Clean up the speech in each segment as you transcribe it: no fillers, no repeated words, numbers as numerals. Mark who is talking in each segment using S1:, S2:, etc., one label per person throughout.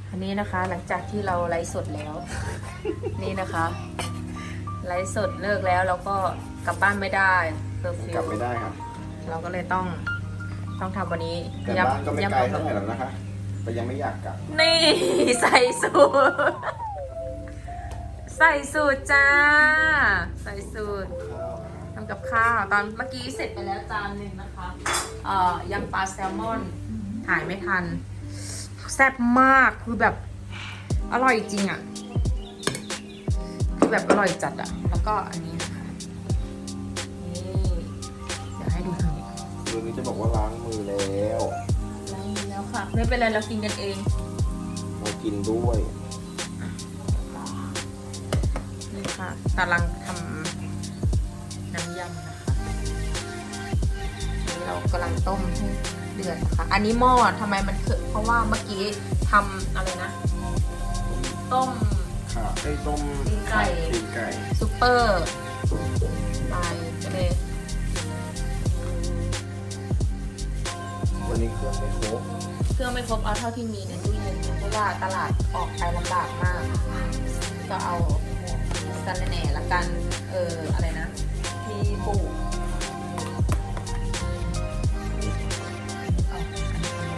S1: อันนี้นะคะหลังจากที่เราไลฟ์สดแล้ว นี่นะคะไลฟ์สดเลิกแล้วเราก็กลับบ้านไม่ได้เคอร์ฟิว
S2: กลับไม่ได้ครับ
S1: เราก็เลยต้องทำวันนี้
S2: แต่บ้านก็ไม่ไกลเท่าไหร่หรอกนะคะแต่ยังไม่อยากกลับ
S1: นี่ ใส่สูตรใส่สูตรจ้า ใส่สูตรทำกับข้าวตอนเมื่อกี้เสร็จไปแล้วจานหนึ่งนะคะยำปลาแซลมอนถ่ายไม่ทันแซ่บมากคือแบบอร่อยจริงอ่ะคือแบบอร่อยจัดอ่ะแล้วก็อันนี้นะคะนี่เดี๋ยวให้ดูทางนี้
S2: คืนนี้จะบอกว่าล้างมือแล้ว
S1: ล้างมือแล้วค่ะไม่เป็นไรเรากินกันเอง
S2: เรากินด้วย
S1: นี่ค่ะกำลังทำน้ำยำนะคะนี่เรากำลังต้มให้เดือดนะคะอันนี้หม้อทำไมมันคือเพราะว่าเมื่อกี้ทำอะไรนะต้ม
S2: ค่ะไอ้ต้ม
S1: ตีนไก่
S2: ตีนไก่
S1: ซุปเปอร์ไปก็เลย
S2: วันนี้เครื่องไม่ครบ
S1: เครื่องไม่ครบเอาเท่าที่มีในตู้เย็นเพราะว่าตลาดออกไปลำบากมาก ก็เอาสะระแหน่ละกันอะไรนะมีปลูกเอาอันนี้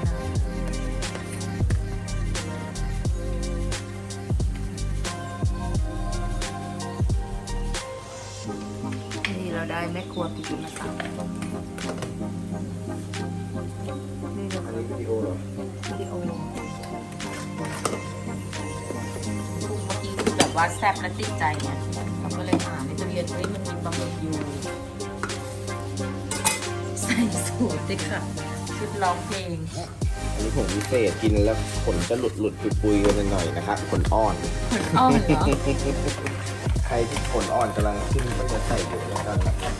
S1: นี่เราได้แม่ครัวปิกิมาตำนี่เรา
S2: อันนี้วิดีโอเหรอ
S1: วิดีโอปรุงเมื่อกี้คือแบบว่าแซ่บและติดใจไงเราก็เลยหาในตู้เย็นเฮ้ยมันมีปลาหมึกอยู่ใส่สูตรด้วยค่ะชุดร้องเพลง
S2: อันนี้ผมพิเศษกินแล้วขนจะหลุดปุยๆกันหน่อยนะครับขนอ่อน
S1: เหมือนอ้อนเหรอ
S2: ใครที่ขนอ่อนกำลังขึ้นก็จะใส่เยอะแล้วกันนะครับ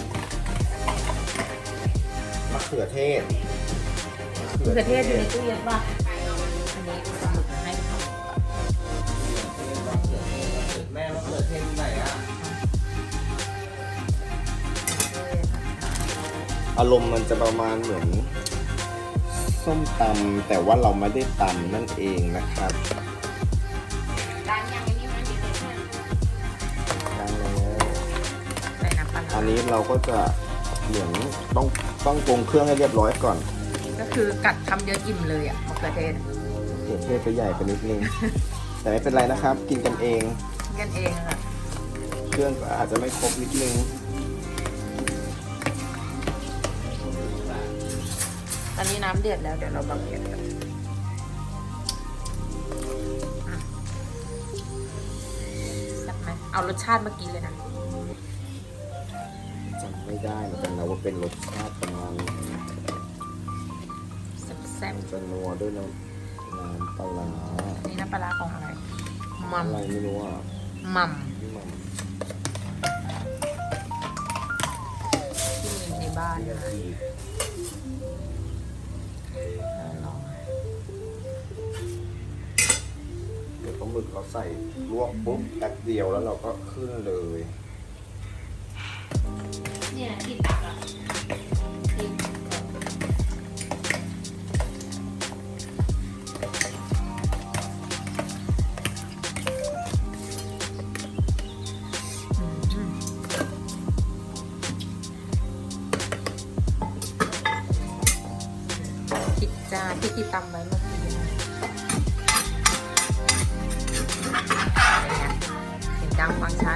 S2: มะเขือเทศ
S1: มะเขือเทศอยู่ในตู้เย็นป่ะอันนี้ปลาหมึกให้ค่ะ
S2: แม่มะเขือเทศไหนอ่ะอารมณ์มันจะประมาณเหมือนส้มตำแต่ว่าเราไม่ได้ตำนั่นเองนะครับ
S1: ร้านยังไม่มีมันอยู่ในตู้
S2: ดังแล้ว
S1: ใส่น้ำปลา
S2: อันนี้เราก็จะเหมือนต้องปรุงเครื่องให้เรียบร้อยก่อน
S1: ก็คือกัดคำเดียวอิ่มเลยอ่ะมะเขือเทศ
S2: เขือเทศไปใหญ่ไปนิดนึง แต่ไม่เป็นไรนะครับ กินกันเอง
S1: กันเองค่ะ
S2: เครื่องก็อาจจะไม่ครบนิดนึง
S1: ตอนนี้น้ำเดือดแล้วเดี๋ยวเราบังเดือดกันอ่ะแซ่บไหมเอารสชาติเมื่อกี้เลยนะ
S2: จำไม่ได้เหมือนกันนะว่าเป็นรสชาติประมาณ
S1: แซ่บ
S2: จะนัวด้วยน้ำปลาร้า
S1: ๆนี่น้ำปลาร้าของอะไรมัม
S2: อะไรไม่รู้อ่ะ
S1: มัม
S2: นี่มัน
S1: ที่มีในบ้านนะคะลอง
S2: เดี๋ยวปลาหมึกเราใส่ลวกปุ๊บแป๊บเดียวแล้วเราก็ขึ้นเลย
S1: เนี่ยที่ตักอ่ะที่พริกจ้าพริกที่ตำไว้เมื่อกี้นะเสียงดังฟังชัด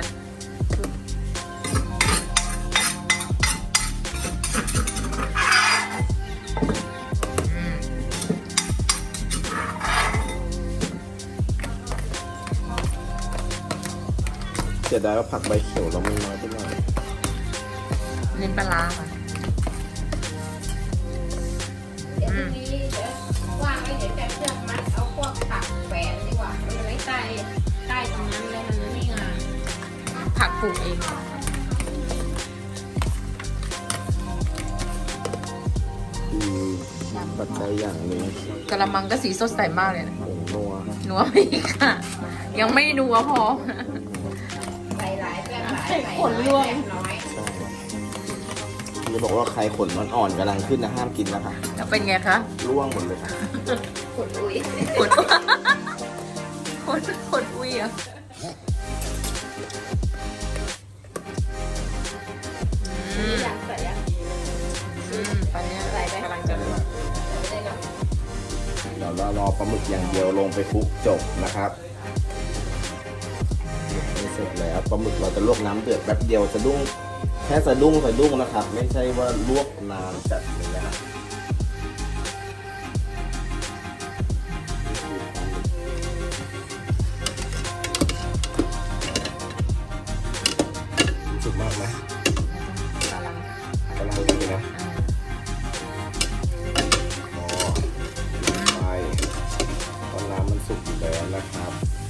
S2: เสียดายว่าผักใบเขียวเรามันน้อยไปหน่อย
S1: เน้นปลาร้าค่ะ
S3: เดี๋ยวพรุ่งนี้เดี๋ยวว่างไว้เดี๋ยวจะเชือกมัดเอาพวกผักแฝนดีกว่ามันไว้ใต้ตรงนั้นเลยมันไม่งาม
S1: ผักปลูกเอง
S2: คือปัจจัยอย่างหนึ่ง
S1: กระมังก็สีสดใสมากเลยนะ
S2: ผงนัว
S1: นัวไม่ค่ะ ยังไม่นัวพอ
S3: ใส่หลายแป้งหลาย
S1: ให้
S3: ใส่
S1: ขนร่วง
S3: แป้งน้อย
S2: ใช่จะบอกว่าใครขนอ่อนๆกำลังขึ้นนะห้ามกินนะคะ
S1: แล้วเป็นไงคะ
S2: ร่วงหมดเลยค่ะ
S3: ขนลุย
S1: ขน
S2: อย่างเดียวลงไปคลุกจบนะครับเสร็จแล้วปลาหมึกเราจะลวกน้ำเดือดแป๊บเดียวสะดุ้งแค่สะดุ้งนะครับ ไม่ใช่ว่าลวกนานจัดเลยนะครับสุกมากไหม
S1: กำลัง
S2: กำลังดีนะไปตอนน้ำมันสุกอยู่แล้วนะครับ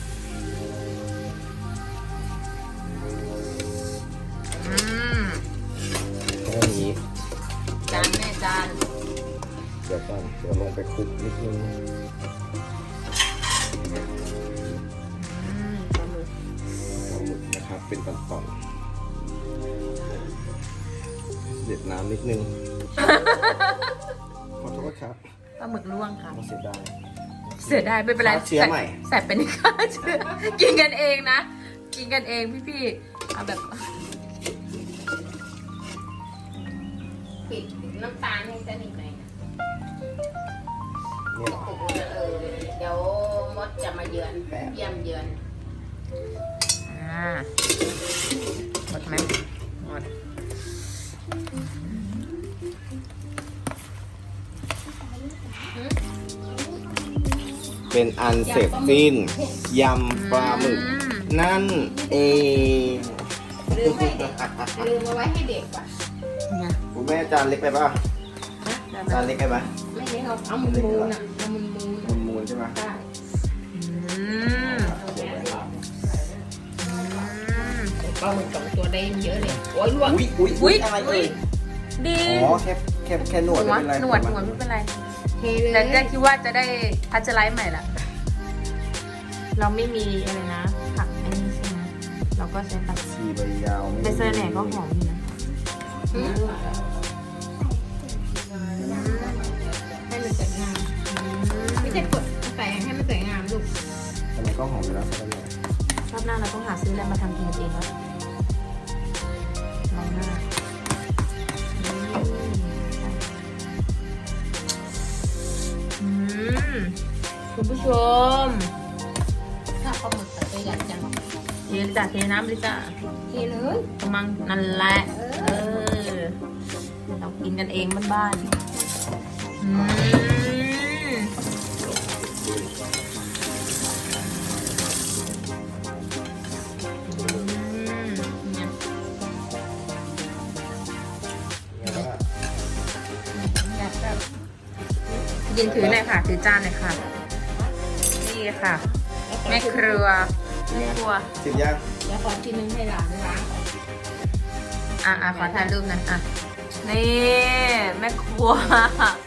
S2: แค่นี้
S1: จานแม่จาน
S2: เดี๋ยวก่อนเดี๋ยวลงไปคลุกนิดนึง
S1: ปลาหมึก
S2: ปลาหมึกนะครับเป็นตอนๆเด็ดน้ำนิดนึง ขอโทษครับ
S1: ปลาหมึกล่วงค่ะ
S2: ไม่เสียดาย
S1: เสียดายไม่เป็นไร
S2: ฆ่าเชื้อใหม่
S1: แสบเป็นค่าเชื้อกินกันเองนะ กินกันเองพี่ๆเอาแบบ
S3: ปิดน้ำตาลให้สนิทหน่อยนะ
S2: นี่เหรอ
S3: โอ้โหเดี๋ยวมดจะมาเยือน
S2: แป๊บ
S3: เยี่ยมเยือน
S1: หมดไหมหมด
S2: เป็นอันเสร็จสิ้นยำปลาหมึกนั่นเอง
S3: ลืมเอาไว้ให้เด็กป่ะ
S1: เนี่ย
S2: คุณแม่จานเล็กไปป่ะ
S1: ได้ไหม
S2: จานเล็กไปป่ะ
S3: ไม่ได้เอามุนมูนอ่ะเอามุนมูน
S2: มูลใช่ไหม
S3: ใช่
S1: อืม
S3: ปลาหมึก2 ตัวได้เยอะเลยโอ้ยลวก
S2: อุ้ยอะไรเอ่ย
S1: ดี
S2: อ๋อแค่หนวดไม่เป็นไร
S1: หนวดไม่เป็นไร
S3: เทเลย
S1: แต่ก็คิดว่าจะได้พัชไลท์ใหม่ละเราไม่มีอะไรนะ ผักอันนี้ใช่ไหมเราก็ใช้ผัก
S2: ชีใบยาว
S1: เบเซอร์แหน่ก็หอมอยู่นะ
S3: หืมให้มันสวยงามไม่ใช่กดใส่ให้มันสวยงามลูก
S2: แต่มันก็หอมอยู่แล้วใช่ไหม
S1: รอบหน้าเราต้องหาซื้ออะไรมาทำกินเองแล้วลองหน้าคุณผู้ชม
S3: ถ้าปลาหมึกใส่ยันจัง
S1: เทจ้ะเทน้ำเลยจ้ะ
S3: เทเลย
S1: กำลังนั่นแหละเรากินกันเองบ้านๆเนี่ยยินถือหน่อยค่ะ ถือจานหน่อยค่ะ นี่ค่ะ แม่ครัวแม่ครัว
S2: ชิมยัง
S3: เดี๋ยวขอทีนึงให้หลานล้าง
S1: ขอถ่ายรูปหน่อยนี่ แม่ครัว